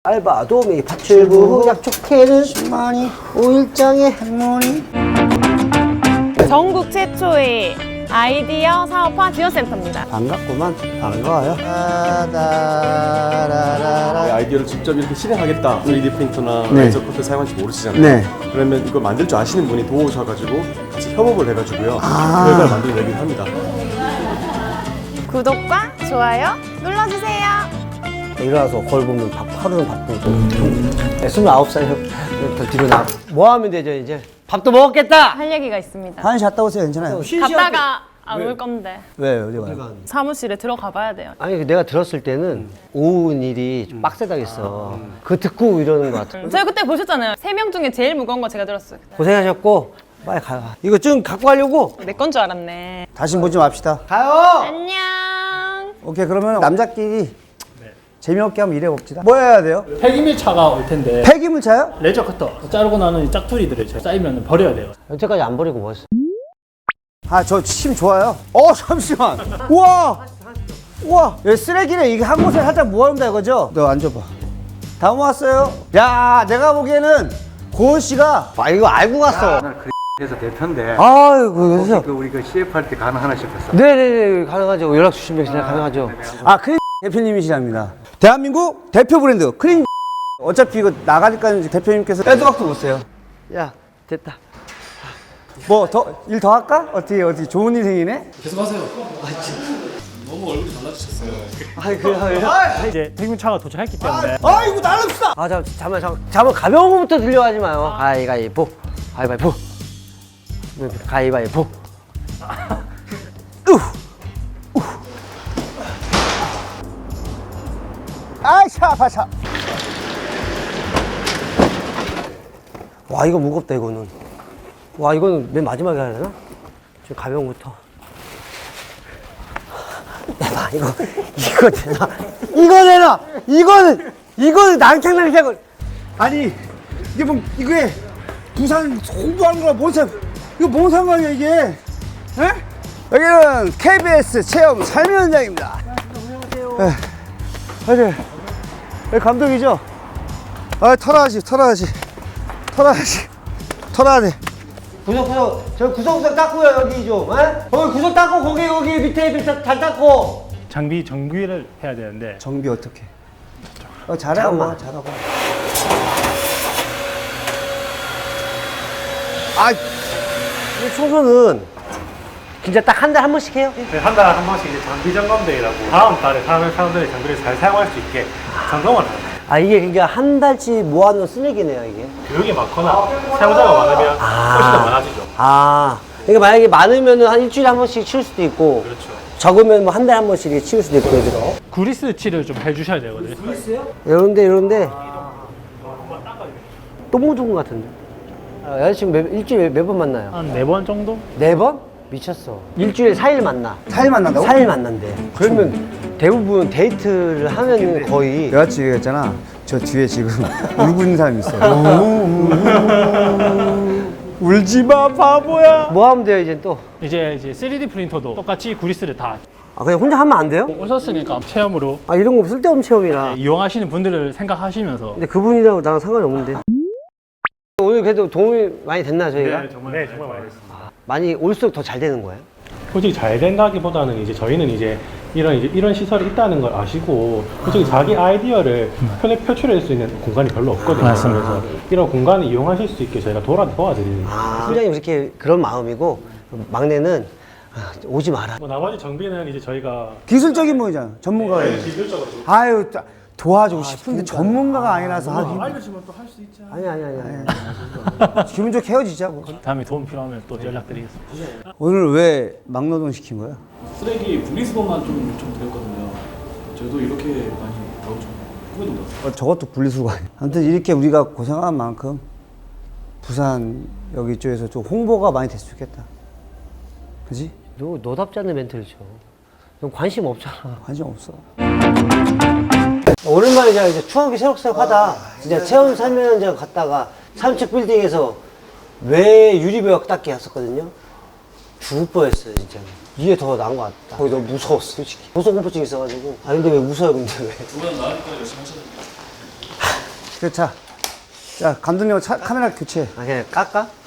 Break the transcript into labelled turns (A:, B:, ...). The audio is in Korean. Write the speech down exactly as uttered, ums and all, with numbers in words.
A: 알바 도우미 파출부 약촉해는 십만이 오일장의 할머니.
B: 전국 최초의 아이디어 사업화 지원센터입니다.
A: 반갑구만. 반가워요. 아다라라라.
C: 아이디어를 직접 이렇게 실행하겠다. 쓰리디 프린터나
A: 네.
C: 레이저 커터 사용할지 모르시잖아요.
A: 네.
C: 그러면 이거 만들 줄 아시는 분이 도와오셔가지고 같이 협업을 해가지고요.
A: 아.
C: 결과를 만들어내기도 합니다.
B: 구독과 좋아요 눌러주세요.
A: 일어나서 거울 보면 밥, 하루는 바쁘고. 네, 스물아홉 살 더 뒤로 나. 뭐 하면 되죠, 이제? 밥도 먹었겠다!
B: 할 얘기가 있습니다.
A: 한시 갔다 오세요, 괜찮아요.
B: 갔다가 안 올 건데
A: 왜, 어디 가요?
B: 사무실에 들어가 봐야 돼요.
A: 아니, 내가 들었을 때는 오후 일이 좀 빡세다겠어. 그거 듣고 이러는 것 같아.
B: 저희 그때 보셨잖아요. 세 명 중에 제일 무거운 거 제가 들었어요.
A: 고생하셨고, 빨리 가요. 이거 좀 갖고 가려고?
B: 내 건 줄 알았네.
A: 다시 보지 맙시다. 가요!
B: 안녕.
A: 오케이, 그러면 남자끼리 재미없게 한번 일해봅시다. 뭐 해야 돼요?
D: 폐기물차가 올 텐데
A: 폐기물차요?
D: 레저 커터 자르고 나는 이 짝투리들을 쌓이면 버려야 돼요.
A: 여태까지 안 버리고 뭐 했어? 아, 저 침 좋아요. 어, 잠시만. 우와! 우와! 여기 쓰레기를 이게 한 곳에 살짝 모아놓는다 이거죠? 너 앉아봐. 다 모았어요? 야, 내가 보기에는 고은 씨가 아, 이거 알고 갔어.
E: 그래서 대표인데
A: 아이고, 그래서.
E: 그 우리 그 씨에프 할 때 가능하나 싶었어.
A: 네네네, 가능하죠. 연락 주시면 그냥 가능하죠. 아, 크림 대표님이시랍니다. 대한민국 대표 브랜드 크림. 어차피 이거 나가니까 이제 대표님께서 빼도 박도 못 써요. 야, 됐다. 뭐 더 일 더 할까? 어떻게 어떻게 좋은 인생이네?
F: 계속하세요. 아, 너무 얼굴이 달라지셨어요.
A: 아이 그래요?
D: 이제 폐기물차가 도착했기 때문에
A: 아이고 나릅시다. 아 잠, 잠깐만 잠깐 잠깐 가벼운 거부터 들려가지 마요. 가위가위보 가위바위보 가위바위보. 우 우. 아샤 파샤. 와 이거 무겁다 이거는. 와 이거는 맨 마지막에 해야 되나? 좀 가벼운 거부터. 내봐 이거 이거 되나? 이거 되나? 이거는 이거는 낭창낭창. 아니 이게 뭐 이게 부산 홍보하는 거랑 뭔 상? 이거 뭔 상관이야 이게? 에? 여기는 케이비에스 체험 삶의 현장입니다. 안녕하세요. 네. 여기 감독이죠? 아 털어야지 털어야지 털어야지 털어야 돼. 구석 구석 저 구석구석 닦고요 여기 좀. 에? 거기 구석 닦고 거기 여기 밑에 밑에 잘 닦고.
D: 장비 정비를 해야 되는데
A: 정비 어떻게? 어 잘하고 잘하고. 아, 이 청소는 진짜 딱 한 달에 한 번씩 해요?
D: 한 달에 한 번씩 이제 장비 점검대회라고 다음 달에 사는 사람들이 장비를 잘 사용할 수 있게 점검을 합니다.
A: 아 이게 그러니까 한 달치 모아놓은 쓰레기네요 이게.
D: 교육이 많거나 사용자가 많으면 훨씬 더 많아지죠.
A: 아, 그러니까 만약에 많으면 한 일주일에 한 번씩 치울 수도 있고.
D: 그렇죠.
A: 적으면 뭐 한 달에 한 번씩 이렇게 치울 수도 있고. 그죠?
D: 구리스 칠을 좀 해주셔야 되거든요.
A: 이런데 이런데 똥 묻은 것 같은데. 아, 여자친구 몇, 일주일에 몇 번 만나요?
D: 한 네 번 정도?
A: 네 번? 미쳤어. 일주일에 사 일 만나. 사 일 만난다고? 사 일 만난대. 그러면 대부분 데이트를 하면 거의.
G: 여자친구가 있잖아. 저 뒤에 지금 울고 있는 사람이 있어요.
D: 울지 마 바보야.
A: 뭐 하면 돼요 이제 또?
D: 이제 이제 쓰리디 프린터도 똑같이 구리스를 다
A: 아 그냥 혼자 하면 안 돼요?
D: 오셨으니까 체험으로
A: 아 이런 거 쓸데없는 체험이라.
D: 이용하시는 분들을 생각하시면서
A: 근데 그분이랑 나랑 상관이 없는데. 오늘 그래도 도움이 많이 됐나 저희가?
D: 네, 정말, 네, 정말 많이 됐습니다.
A: 많이 올수록 더 잘 되는 거예요?
H: 솔직히 잘 된다기보다는 이제 저희는 이제 이런 이제 이런 시설이 있다는 걸 아시고 솔직히 자기 아이디어를 편에 표출할 수 있는 공간이 별로 없거든요.
D: 맞습니다.
H: 그래서 이런 공간을 이용하실 수 있게 저희가 도와 도와드리는.
A: 아, 팀장님 이렇게 그런 마음이고 막내는 아, 오지 마라.
H: 뭐 나머지 정비는 이제 저희가
G: 기술적인 분이잖아. 전문가가.
H: 네, 기술적으로 좀
G: 아유 따- 도와주고 싶은데 전문가가 아니라서 하기.
H: 알려주면 또 할 수 있지.
A: 아니 아니 아니. 아니.
G: 기분 좋게 헤어지자고.
D: 다음에 도움 필요하면 또 연락드리겠습니다.
G: 오늘 왜 막노동 시킨 거야?
F: 쓰레기 분리수거만 좀 요청드렸거든요. 저도 이렇게 많이 나오죠. 꿈에도 몰랐어요.
G: 어, 저것도 분리수거 아니야. 아무튼 이렇게 우리가 고생한 만큼 부산 여기 이쪽에서 좀 홍보가 많이 됐으면 좋겠다. 그지?
A: 너 너답지 않는 멘트를 쳐. 너 관심 없잖아.
G: 관심 없어.
A: 오랜만에 제가 이제 추억이 새록새록하다. 진짜 체험 삶의 현장 갔다가 삼층 빌딩에서 외 유리벽 닦기 했었거든요. 죽을 뻔했어요 진짜. 이게 더 나은 것 같다. 거기 너무 무서웠어 솔직히. 고소공포증 있어가지고. 아 근데 왜 웃어요 근데 왜?
F: 두 번 나으니까 열심히 하셔야 됩니다.
G: 그래, 자. 자, 감독님 차, 카메라 교체.
A: 아, 그냥 깎아?